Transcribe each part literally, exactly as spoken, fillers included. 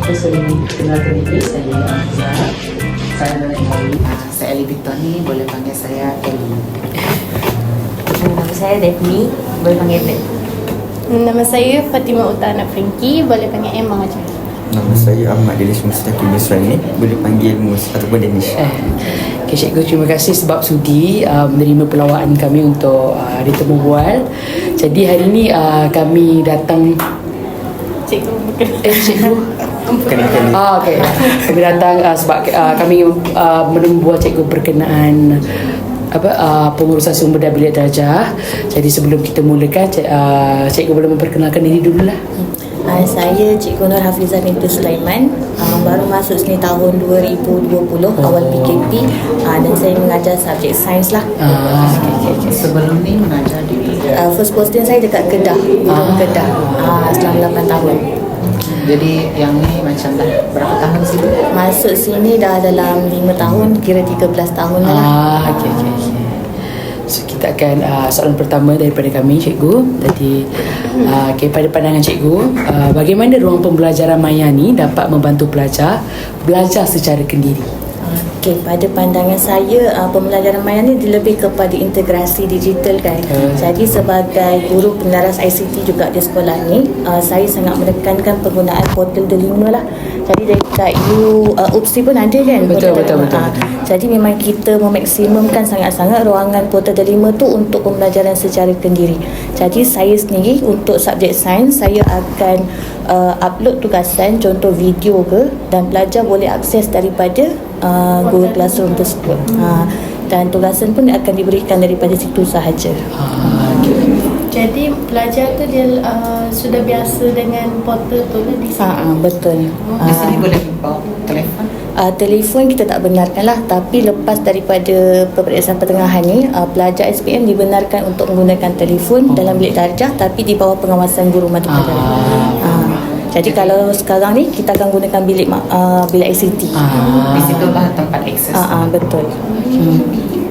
Okay, so ini kenalkan diri saya Amzah. Saya adalah Ellie. Uh, saya Ellie Victor ni, boleh panggil saya Ellie. Nama saya Daphne, boleh panggil Dep. Nama saya Fatimah Utana Frankie, boleh panggil Emma je. Nama saya Ahmad Danish Mustaqim Misrani, boleh panggil Mus ataupun Danish. Eh, okay, cikgu, terima kasih sebab sudi uh, menerima pelawaan kami untuk uh, Hari Temu Bual. Jadi hari ini uh, kami datang. Cikgu bukan. Eh, cikgu. Bukan-bukan. Ah, okay. Kami datang uh, sebab uh, kami uh, membuat cikgu berkenaan apa uh, pengurusan sumber dan bilik darjah. Jadi sebelum kita mulakan, cik, uh, cikgu boleh memperkenalkan diri dululah. Uh, saya Cikgu Nur Hafizah binti Sulaiman, uh, baru masuk sini tahun dua ribu dua puluh, oh. awal P K P, uh, dan saya mengajar subjek sains lah. Ah, okay, okay, okay. Sebelum ni mengajar di Uh, first posting saya dekat Kedah, ah. Kedah, uh, selama lapan tahun. Jadi yang ni macam dah berapa tahun sih? Masuk sini dah dalam lima tahun, kira tiga belas tahun lah. Ah, okay, okay, okay. So kita akan uh, soalan pertama daripada kami, cikgu. Tadi uh, okay, pada pandangan cikgu, uh, bagaimana ruang pembelajaran maya ni dapat membantu pelajar belajar secara kendiri? Okey, pada pandangan saya, uh, pembelajaran maya ni lebih kepada integrasi digital kan. Hmm. Jadi sebagai guru peneras I C T juga di sekolah ni, uh, saya sangat menekankan penggunaan portal Delima lah. Jadi dekat U uh, U P S I pun ada kan. Betul, betul, betul, uh, betul. Jadi memang kita memaksimumkan sangat-sangat ruangan portal Delima tu untuk pembelajaran secara kendiri. Jadi saya sendiri untuk subjek sains, saya akan uh, upload tugasan, contoh video ke, dan pelajar boleh akses daripada uh, Google Classroom tersebut. Uh, dan tugasan pun akan diberikan daripada situ sahaja. Ah, okay. Jadi pelajar tu dia uh, sudah biasa dengan portal tu lah di sini. Uh, uh, betul. Di sini Uh, boleh bawa telefon. Uh, telefon kita tak benarkan lah, tapi lepas daripada peperiksaan pertengahan ni, uh, pelajar S P M dibenarkan untuk menggunakan telefon oh. dalam bilik darjah, tapi di bawah pengawasan guru mata pelajaran. Ah. Uh, jadi kalau sekarang ni kita akan gunakan bilik uh, bilik I C T. Ah. Di situ lah tempat akses. Uh, uh, betul. Hmm.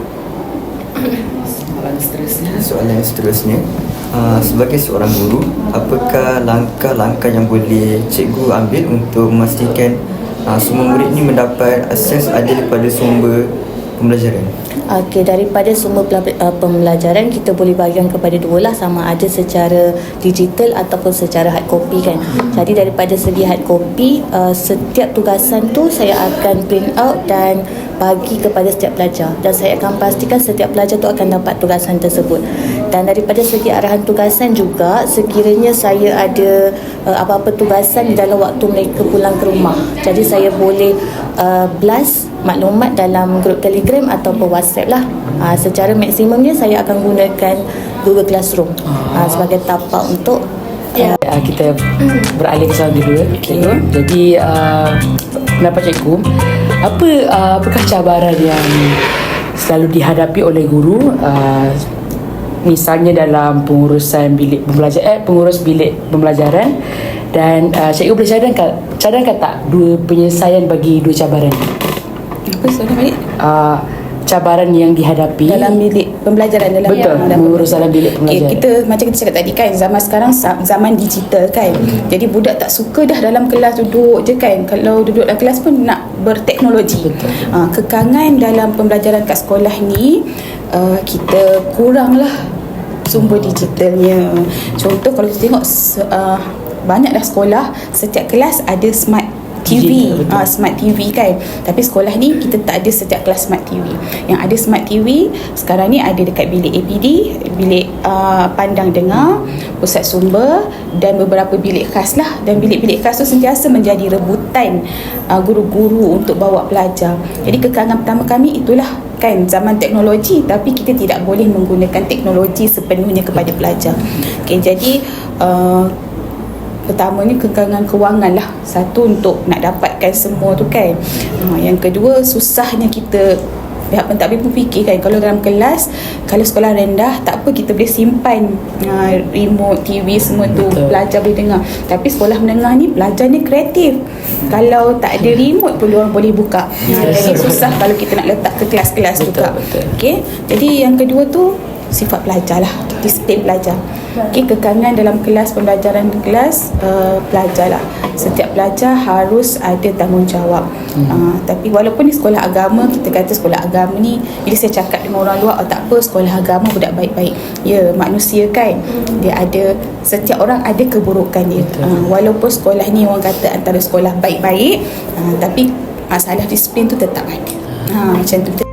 Soalan seterusnya. Soalan yang seterusnya, uh, sebagai seorang guru, apakah langkah-langkah yang boleh cikgu ambil untuk memastikan uh, semua murid ni mendapat akses adil pada sumber pembelajaran? Okey, daripada semua uh, pembelajaran kita boleh bahagikan kepada dua lah, sama ada secara digital ataupun secara hard copy kan. Jadi daripada segi hard copy, uh, setiap tugasan tu saya akan print out dan bagi kepada setiap pelajar, dan saya akan pastikan setiap pelajar tu akan dapat tugasan tersebut. Dan daripada segi arahan tugasan juga, sekiranya saya ada uh, apa-apa tugasan di dalam waktu mereka pulang ke rumah, jadi saya boleh uh, blast maklumat dalam grup Telegram ataupun WhatsApp lah. Uh, secara maksimumnya saya akan gunakan Google Classroom uh, sebagai tapak untuk Uh, kita beralih ke soalan kedua. Okay. Jadi uh, pendapat cikgu, apa uh, apakah cabaran yang selalu dihadapi oleh guru, uh, misalnya dalam pengurusan bilik pembelajaran, eh, pengurus bilik pembelajaran, dan uh, cikgu boleh cadangkan cadangkan tak dua penyelesaian bagi dua cabaran? Apa soalan balik? Uh, cabaran yang dihadapi Dalam bilik pembelajaran dalam betul dalam mengurus dalam bilik Okay, pembelajaran. kita macam kita cakap tadi kan, zaman sekarang sa- zaman digital kan. Jadi budak tak suka dah dalam kelas duduk je kan. Kalau duduk dalam kelas pun nak berteknologi. Betul. Uh, kekangan dalam pembelajaran kat sekolah ni, uh, kita kurang lah sumber digitalnya. Contoh kalau kita tengok uh, banyak dah sekolah, setiap kelas ada smart T V, Betul. uh, smart T V kan. Tapi sekolah ni kita tak ada setiap kelas smart T V. Yang ada smart T V sekarang ni ada dekat bilik A P D, bilik uh, pandang dengar, pusat sumber, dan beberapa bilik khas lah. Dan bilik-bilik khas tu sentiasa menjadi rebutan uh, guru-guru untuk bawa pelajar. Jadi kekangan pertama kami itulah kan, zaman teknologi, tapi kita tidak boleh menggunakan teknologi sepenuhnya kepada pelajar. Okay, jadi uh, pertama ni kekangan kewangan lah. Satu, untuk nak dapatkan semua tu kan. Ha, yang kedua, susahnya kita, pihak pentadbir pun fikir kan, kalau dalam kelas, kalau sekolah rendah tak apa, kita boleh simpan uh, remote T V semua tu. Betul. Pelajar boleh dengar. Tapi sekolah menengah ni pelajar ni kreatif, kalau tak ada remote pun orang boleh buka. Ha, jadi susah kalau kita nak letak ke kelas-kelas betul, juga. betul. Okay? Jadi yang kedua tu, sifat pelajar lah, disiplin pelajar. Okay, kekangan dalam kelas, pembelajaran di kelas, uh, pelajar lah. Setiap pelajar harus ada tanggungjawab. Hmm. Uh, tapi walaupun di sekolah agama, kita kata sekolah agama ni, bila saya cakap dengan orang luar, oh tak apa, sekolah agama budak baik-baik. Ya, manusia kan, dia ada, setiap orang ada keburukan dia. Uh, walaupun sekolah ni orang kata antara sekolah baik-baik, uh, tapi masalah disiplin tu tetap ada. Ha, macam tu.